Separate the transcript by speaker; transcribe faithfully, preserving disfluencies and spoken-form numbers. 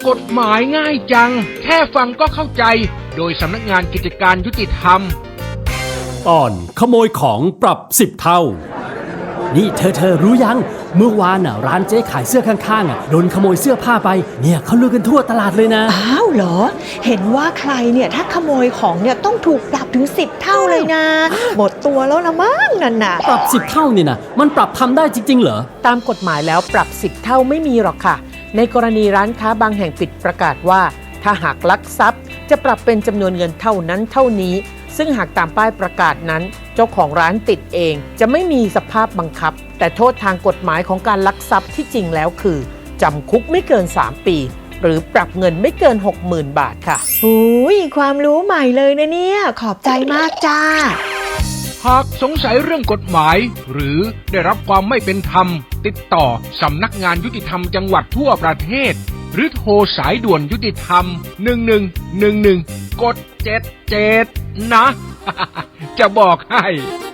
Speaker 1: กฎหมายง่ายจังแค่ฟังก็เข้าใจโดยสำนักงานกิจการยุติธรรม
Speaker 2: ตอนขโมยของปรับสิบเท่านี่เธอเธอรู้ยังเมื่อวานน่ะร้านเจ๊ขายเสื้อข้างๆอ่ะโดนขโมยเสื้อผ้าไปเนี่ยเขาลือกันทั่วตลาดเลยนะ
Speaker 3: อ้าวเหรอเห็นว่าใครเนี่ยถ้าขโมยของเนี่ยต้องถูกปรับถึงสิบเท่าเลยนะหมดตัวแล้วละมั้งนั่นน่ะ
Speaker 2: ปรับสิบเท่านี่นะมันปรับทำได้จริงๆเหรอ
Speaker 4: ตามกฎหมายแล้วปรับสิบเท่าไม่มีหรอกค่ะในกรณีร้านค้าบางแห่งปิดประกาศว่าถ้าหากลักทรัพย์จะปรับเป็นจำนวนเงินเท่านั้นเท่านี้ซึ่งหากตามป้ายประกาศนั้นเจ้าของร้านติดเองจะไม่มีสภาพบังคับแต่โทษทางกฎหมายของการลักทรัพย์ที่จริงแล้วคือจำคุกไม่เกินสามปีหรือปรับเงินไม่เกิน หกหมื่น บาทค่ะ
Speaker 3: หูยความรู้ใหม่เลยนะเนี่ยขอบใจมากจ้า
Speaker 1: หากสงสัยเรื่องกฎหมายหรือได้รับความไม่เป็นธรรมติดต่อสำนักงานยุติธรรมจังหวัดทั่วประเทศหรือโทรสายด่วนยุติธรรมหนึ่งหนึ่งหนึ่งหนึ่งกดเจ็ดเจ็ดนะ จะบอกให้